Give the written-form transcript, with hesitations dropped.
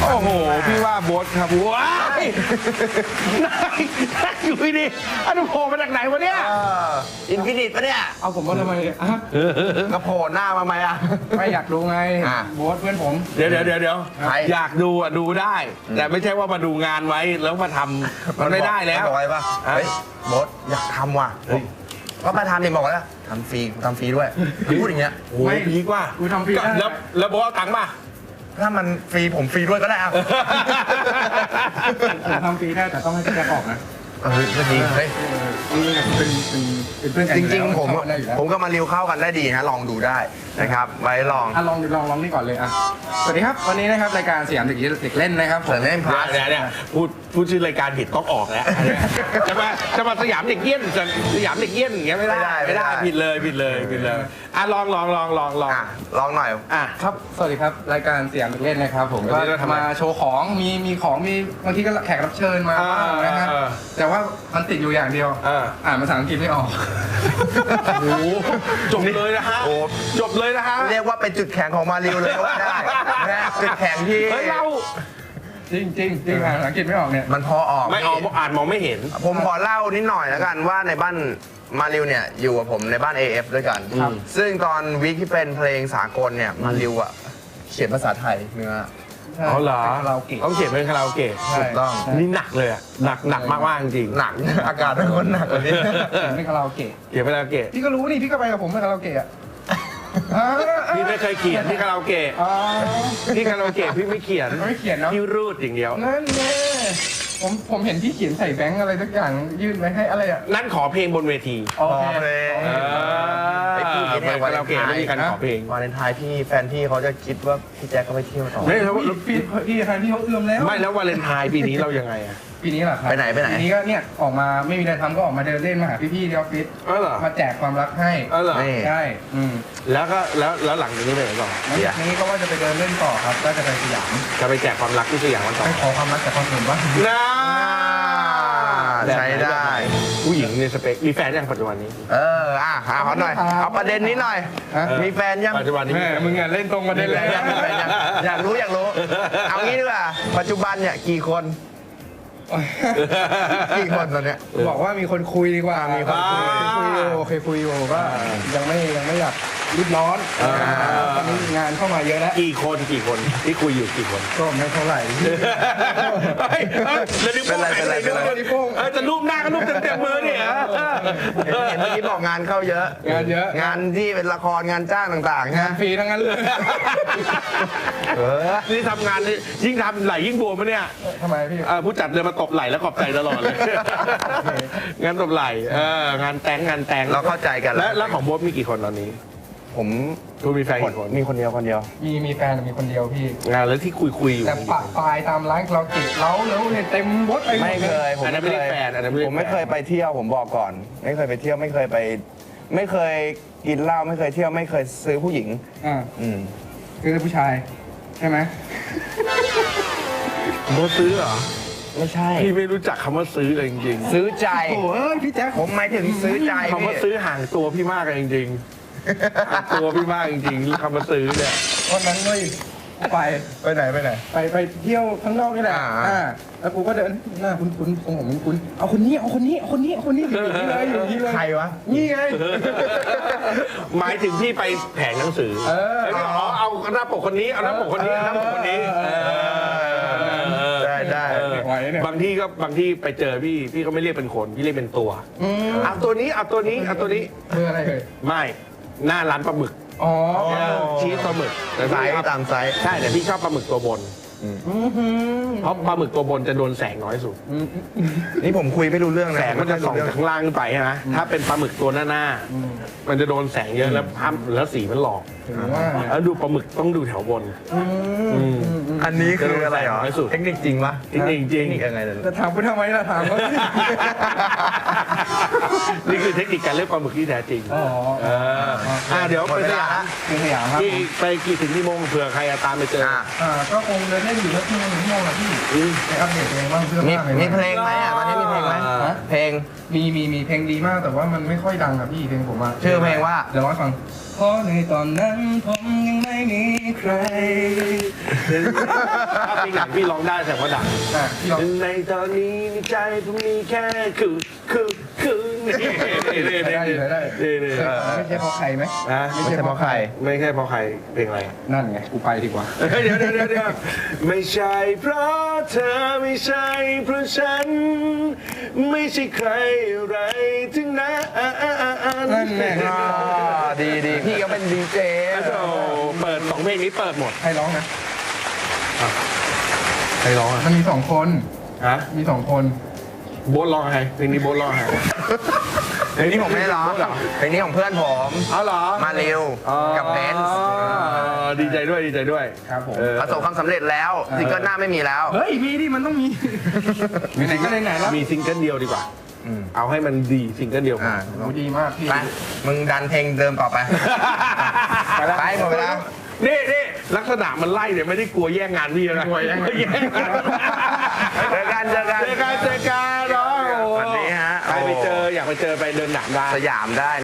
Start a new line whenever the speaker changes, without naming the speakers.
โอ้โหพี่ว่าโบ๊ทครับว้ายนั่งอยู่ดิอันนี้โผล่มาจากไหนวะเนี่ย
อินฟินิตปะเนี่ย
เอาผมมาทำไมเนี่ยอ่ะ
ก็โผล่หน้ามาไหมอ่ะ
ไม่อยากดูไง
อ่ะ
โบ๊ทเพื่อนผม
เดี๋ยว
ใคร
อยากดูอ่ะดูได้ แต่ไม่ใช่ว่ามาดูงานไว้แล้วมาทำมันไม่ได้แล้ว
บอกไว้ป่ะเฮ้ยโบ๊ทอยากทำว่ะก็มาทำดิบอกแล้วทำฟรีด้วยพูดอย่างเงี้ย
โอ้ยพีกว่า
กูทำฟรีได้
แล้วโบ๊ทเอาตังค์ป่ะ
ถ้ามันฟรีผมฟรีด้วยก็ได้อ่ะ
ผมทำฟรีได้แต่ต้องให้พี่แจ็คออกนะ
ก็ดีเฮ้ย
นี่เป็นเพื่อนกัน
จ
อยู่
ริง
แล้ว
ๆผม
เข้าได้อยู่แล้ว
ผมกับมาริวเข้ากันได้ดีนะลองดูได้นะครับไว้ลอง
อ่ะลองนี่ก่อนเลยอ่ะสวัสดีครับวันนี้นะครับรายการสยามเด็กเล่นนะครับผม
เสร็จเล่นพาร์ท
เนี่ยพูดชื่อรายการผิดต้องออกแล้วจะมาสยามเด็กเกี้ยนสยามเด็กเกี้ยนอย่างเงี้ยไม่ได้ผิดเลยอ่ะลอง
ลองหน่อย
อ่ะ
ครับสวัสดีครับรายการสยามเด็กเล่นนะครับผม
วัน
ก็
นี้เราทำอะไร
มาโชว์ของมีของมีบางทีก็แขกรับเชิญมาบ้างนะฮะแต่ว่ามันติดอยู่อย่างเดียวอ่านภาษาอังกฤษไม่ออก
โอ้โหจบเลยนะฮะ
โอ้
จบเลยนะฮะ
เรียกว่าเป็นจุดแข็งของมาริวเลยก็ว่าได้นะจุดแข็งที่
เฮ้ยเรา
จริงอ่านภาษาอังกฤษไม่ออกเนี่ย
มันพอออก
ไม่ออกอ่านมองไม่เห็น
ผมขอเล่านิดหน่อยแล้วกันว่าในบ้านมาริวเนี่ยอยู่กับผมในบ้าน AF ด้วยกัน
ครับ
ซึ่งตอนวีคที่เป็นเพลงสากลเนี่ยมาริวอ่ะเขียนภาษาไทยเนื้อ
อ๋อเหรอ
เป็นคาราโอเกะ
ต้องเขียนเป็นคาราโอเกะ
ใช่
ถูกต้อง
นี่หนักเลยอะหนักมากๆจริง
หนัก อากาศเป็นคนหนักกว่านี้
เขียนเป็นคาราโอเกะ
เขียนเป็นคาราโอเกะ
พี่ก็รู้นี่พี่ก็ไปกับผมไปคาราโอเกะอ่ะ
พี่ไม่เคยเขียนที่คาราโอเกะ
อ๋อ
ที่คาราโอเกะพี่ไม่เขียน
ไม่เขียนเนาะ
พี่รูดอย่างเดียว
นั่นแน่ผมเห็นพี่เขียนใส่แบงค์อะไรสักอย่างยื่นไว้ให้อะไรอ่ะ
นั่นขอเพลงบนเวที
โอเค
โอเค
ไปพูดอย่างนี้คาราโอเกะไม่มีการขอเพลง
วาเลนไทน์พี่แฟนพี่เขาจะคิดว่าพี่แจ็คเขาไปเที่ยวต่อ
ไม่แล้ว
พี่แฟนพี่เขาเอื้อมแล้ว
ไม่แล้ววาเลนไทน์ปีนี้เรายังไงอะ
ปีนี้เหรอครับ
ไปไหน
ปีนี้ก็เนี่ยออกมาไม่มีอะไรทำก็ออกมาเดินเล่นมาหาพี่ๆที่ออฟฟิศ
อ๋อเหรอ
มาแจกความรักให้
อ๋อเหรอ
นี่
ใช่
แล้วก็แล้วหลังจากนี้ไปไหนต่อ
แล้วทีนี้ก็ว่าจะไปเดินเล่นต่อครับก็จะไปสยาม
จะไปแจกความรักที่สยามวันต่อ
ไปขอความรักจากคนอื่นบ้าง
น่า
ใช้ได้
ผู้หญิงในสเปคมีแฟนยังปัจจุบันนี้
ขอหน่อย เอาประเด็นนี้หน่อย มีแฟนยัง
ปัจจุบันนี้
แม่มึงอ่ะเล่นตรงมาเล่นเลย
มีแฟนยังอยากรู้ เอางี้ดีกว่า ปัจจุบันเนี่ยกี่คนตอนเนี้ย
บอกว่ามีคนคุยดีกว่า
มีคนคุย
เคยคุยอยู่ก็ยังไม่อยากรีบร้อนตอนนี้งานเข้ามาเยอะแล้ว
กี่คนที่คุยอยู่กี่คน
ก็ไม่เท่าไหร่
แล้วนิ้วโป้ง
เป็นไร
นิ้วโป้ง
จะรูปหน้าก็รูปเต็มมือเนี่ย
เห็นเมื่อกี้บอกงานเข้าเยอะ
งานเยอะ
งานที่เป็นละครงานจ้างต่างๆ
งา
นะ
นฟรีทั้งนั้นเลย
นี่ทำงานนี่ยิ่งทำไหลยิ่งบวมปะเนี่ย
ทำไมพี่
ผู้จัดเดินมาตบไหลแล้วขอบใจตลอดเลยงานตบไหลงานแต่ง
เราเข้าใจกัน
แล้วของโบ๊ทมีกี่คนตอนนี้
ผม
คุณมีแฟนกี่คน
มีคนเดียว
มีแฟนมีคนเดียวพี่
งานแล้วที่คุยอยู่
แต่ปะปลายตามร้านเราเก็บเล้าแล้วเนี่ยเต็มรถไปหมด
ไม่เคย
อันนั้นไม่ได้แฟนอันนั้นไม่ได้
ผมไม่เคยไปเที่ยวผมบอกก่อน ไม่เคยไปเที่ยวไม่เคยกินเหล้าไม่เคยเที่ยวไม่เคยซื้อผู้หญิง
อ่า
อืม
คือผู้ชายใช่ไหม
โบ๊ทซื้อเหรอ
ไม่ใช่
พี่ไม่รู้จักคำว่าซื้อเลยจริง
ซื้อใจ
โอ้ยพี่แจ๊ค
ผมหมายถึงซื้อใจ
ๆคำว่าซื้อห่างตัวพี่มากเลยจริงๆห่างตัวพี่มากจริงๆคำว่าซื้อเนี่ย
วันนั้นเว้ยไป
ไปไหน
ไปเที่ยวข้างนอกนี่แหละ แล้วกูก็เดินหน้าคุ้นๆของผมคุ้นๆเอาคนนี้อยู่นี่เลย
ใครวะ
นี่ไง
หมายถึงพี่ไปแผงหนังสือเอาหน้าปกคนนี้เอาหน้าปกคนนี้เอาหน้าปกคนนี้
ได้
ไหวเนี่ย
บางที่ไปเจอพี่ก็ไม่เรียกเป็นคนพี่เรียกเป็นตัวเอาตัวนี้เอาตัวนี้เอาตัวนี้
คืออะไรเลย
ไม่หน้าร้านปลาหมึก
อ๋อ
ชีสปลาหมึกแต่
ไซ
พี่
ส์ตามไซส์
ใช่แต่พี่ชอบปลาหมึกตัวบนเพราะปลาหมึกตัวบนจะโดนแสงน้อยสุด
นี่ผมคุยไม่รู้เรื่องนะ
แสงมันจะส่องจากข้างล่างขึ้นไปนะถ้าเป็นปลาหมึกตัวหน้ามันจะโดนแสงเยอะแล้วภาพแล้วสีมันหลอก
ถึงว่า
แล้วดูปลาหมึกต้องดูแถวบน
อันนี้คืออะไรเหรอ
น้อยสุด
เทคนิคจริงปะ
จริงจริง
เทคนิคยังไงเลย
จะถามกูทำไมล่ะถามเขา
นี่คือเทคนิคการเลือกปลาหมึกที่แท้จริง
อ๋อ
เดี๋ยวไปสยาม
เป็นสยามครับ
ที่ไปกี่ถึงกี่โมงเผื่อใครตามไปเจอ
ก็คงเดินเล่นอยู่แล้วที่มันง่วงอะพี่ไปอัปเดตเพลงบ้างเพื่อ
มี
มากเลย
มีเพลงไหมตอนนี้มีเพลงไหมเพลง
มีเพลงดีมากแต่ว่ามันไม่ค่อยดังอะพี่เพลงผมอะ
ชื่อเพลงว่า
เดี๋ยวร้องให้ฟังเพราะในตอนนั้นผมยังไม่มีใคร
ถ้าเพลงไหนพี่ร้องได้แสดงว่าดัง
พี่ลอง
ในตอนนี้ในใจผมมีแค่นี่
ได้ได้
นี่
ไม่ใช่เพราะใครไหม
นะ
ไม่ใช่เพราะใคร
ไม่ใช่เพราะใครเพลงอะไร
นั่นไงกูไปดีกว่า
เดี๋ยวไม่ใช่เพราะเธอไม่ใช่เพราะฉัน ไม่ใช่ใครอะไรถึงนั้น
นั่นแหละ
ดีดีพี่ก็เป็นดีเจ
โอ้เปิด2เพลงนี้เปิดหมด
ใครร้องนะ
ใครร้องอ่ะ
มันมีสองคน
ฮะ
มีสองคน
โบ๊ทร้องใครเพลงนี้โบ๊ทร้องใคร
เพลงนี้ผมไม่ได้ร้องเพลงนี้ของเพื่อนผม
เอาเหรอ
มาเร็วกับเบนซ์
ดีใจด้วยดีใจด้วย
ครับผม
ประสบความสำเร็จแล้วซิงเกิลหน้าไม่มีแล้ว
เฮ้ยมีดิมันต้องมีไหนๆก็ไหนๆแล้ว
มีซิงเกิลเดียวดีกกว่า เอาให้มันดีซิงเกิลเดียว
อ่า
โอ้ดีมากพี่
ไปมึงดันเพลงเดิมต่อไป ไปหมดเวลา
นี่ลักษณะมันไล่เนี่ยไม่ได้กลัวแย่งงานพี่นะกลัวแย่งงาน
เจอกัน
เจอกันเนาะ
สวัสดีฮะ
ใครไปเจออยากไปเจอไปเดินหนังได้
สยามได้